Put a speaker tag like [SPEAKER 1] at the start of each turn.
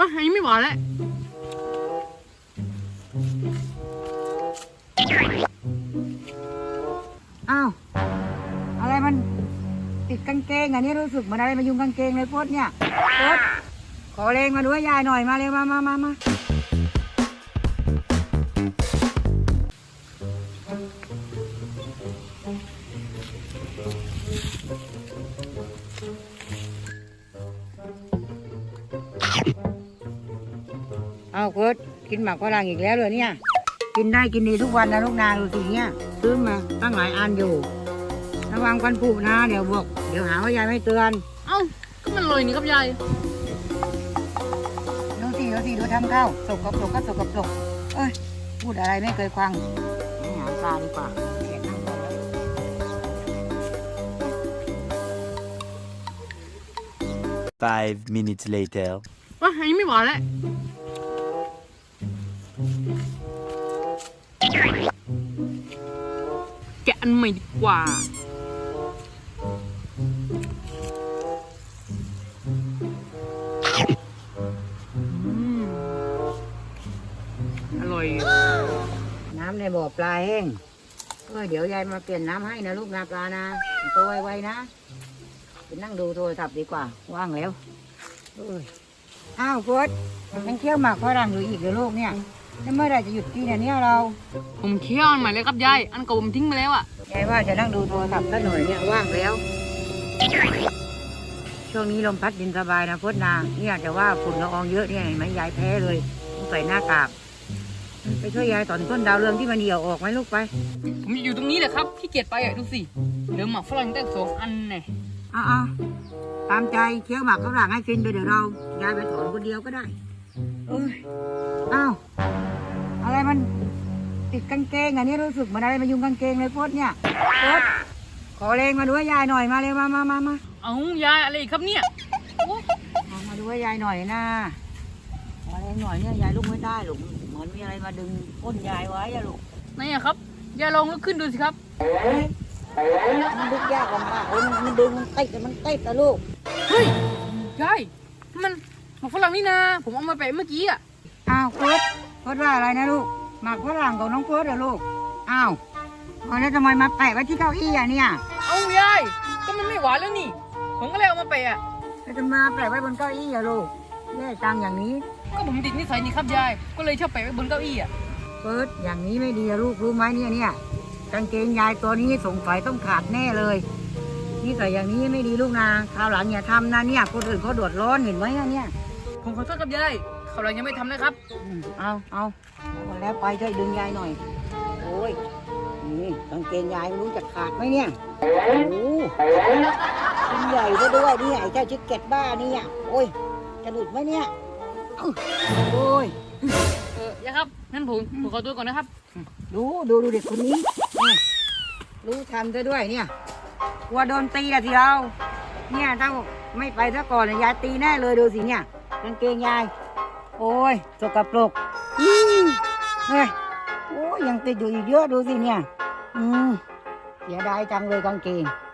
[SPEAKER 1] อันนี้ไม่หวานแล้ว
[SPEAKER 2] อ้าวอะไรมันติดกางเกงอันนี้รู้สึกเหมือนอะไรมายุงกางเกงเลยพดเนี่ยพดขอแรงมาด้วยยายหน่อยมาเร็วมาเอาพดกินหมากฝรั่งอีกแล้วเลยเนี่ยกินได้กินดีทุกวันนะลูกนาดูสิเนี่ยซื้อมาตั้งหลายอันอยู่ระวังฟันผุนะเดี๋ยวหาว่ายายไม่เตือน
[SPEAKER 1] เอ้าก็มันลอยนี่ครับยาย
[SPEAKER 2] ดูทำข้าวสกปรกก็สกปรกเอ้ยพูดอะไรไม่เคยฟังหาปลาดีกว่าแกะนั่งก่อนแล้ว
[SPEAKER 3] 5 minutes later.
[SPEAKER 1] ว่าอันนี้ไม่หวานแล้วแกะอันใหม่ดีกว่าอร่อย
[SPEAKER 2] น้ำในบ่อปลาแห้งเดี๋ยวยายมาเปลี่ยนน้ำให้นะลูกนาปลานะตัวไวๆนะไปนั่งดูโทรศัพท์ดีกว่าว่างแล้วอ้าวโค้ชยังเคี่ยวหมากฝรั่งอยู่อีกเหรอลูกเนี่ยแล้วเมื่อไหร่จะหยุดกินเนี่ยเรา
[SPEAKER 1] ผมเคี่ยวอันใหม่เลยครับยายอันเก่าผมทิ้งไปแล้วอ่ะ
[SPEAKER 2] ยายว่าจะนั่งดูโทรศัพท์สักหน่อยเนี่ยว่างแล้วช่วงนี้ลมพัดเย็นสบายนะโค้ชนาเนี่ยแต่ว่าฝุ่นละอองเยอะเนี่ยเห็นไหมยายแพ้เลยต้องใส่หน้ากากไปช่วยยายถอนต้นดาวเรืองที่มันเหี่ยวออกไหมลูกไป
[SPEAKER 1] ผมอยู่ตรงนี้แหละครับขี้เกียจไปอ่ะดูสิเหลือหมากฝรั่งตั้ง2 อันแน่
[SPEAKER 2] เอาตามใจเคี้ยวหมากฝรั่งให้ฟินไปเดี๋ยวเรายายไปถอนคนเดียวก็ได้อ้าวอะไรมันติดกางเกงอันนี้รู้สึกเหมือนอะไรมายุงกางเกงเลยพดเนี่ยพดขอแรงมาด้วยยายหน่อยมาเร็วมา
[SPEAKER 1] เอายายอะไรอีกครับเนี่ย
[SPEAKER 2] มาด้วยยายหน่อยนะขอแรงหน่อยเนี่ยยายลุกไม่ได้หรอกเหมือนมีอะไรมาดึงก้นยายไว้อะลูก
[SPEAKER 1] ไหนอะครับยายลองลุกขึ้นดูสิครับ
[SPEAKER 2] มันดึงยากลำบากมันดึงมันติดนะลูก
[SPEAKER 1] เฮ้ยยายมันหมากฝรั่งนี่นะผมเอามาแปะเมื่อกี้อะ
[SPEAKER 2] อ้าวพดว่าอะไรนะลูกหมากฝรั่งของน้องพดเหรอลูกอ้าวแล้วทำไมมาแปะไว้ที่เก้าอี้อะเนี่ย
[SPEAKER 1] เอายายก็มันไม่หวานแล้วนี่ผมก็เลยเอามาแปะอะ
[SPEAKER 2] แล้วจะมาแปะไว้บนเก้าอี้อะลูกแย่จังอย่างนี้
[SPEAKER 1] ก็ผมติดนิสัยนี่ครับยายก็เลยชอบแปะไว้บนเก้าอี้อะ
[SPEAKER 2] อย่างนี้ไม่ดีอะลูกรู้ไหมเนี่ยกางเกงยายตัวนี้สงสัยต้องขาดแน่เลยนี่ใส่อย่างนี้ไม่ดีลูกนะคราวหลังอย่าทำนะเนี่ยคนอื่นเขาเดือดร้อนเห็นไหมเนี่ย
[SPEAKER 1] ผมขอโทษครับยายคราวหลังยังไม่ทำนะครับ
[SPEAKER 2] เอาแล้วไปช่วยดึงยายหน่อยโอ้ยนี่กางเกงยายรู้จะขาดไหมเนี่ยโอ้ชิ้นใหญ่ซะด้วยนี่ไอ้เจ้าชิคเก็ตบ้านี่อ่ะโอ้ยจะหลุดไหมเนี่ยโอ้ย
[SPEAKER 1] ยายครับงั้นผมขอตัวก่อนนะครับ
[SPEAKER 2] ดูเด็กคนนี้รู้ทำซะด้วยเนี่ยกลัวโดนตีอะทีเราเนี่ยถ้าไม่ไปซะก่อนยายตีแน่เลยดูสิเนี่ยกางเกงยายโอ้ยสกปรกเฮ้ยโอ้ยยังติดอยู่อีกเยอะดูสิเนี่ยเสียดายจังเลยกางเกง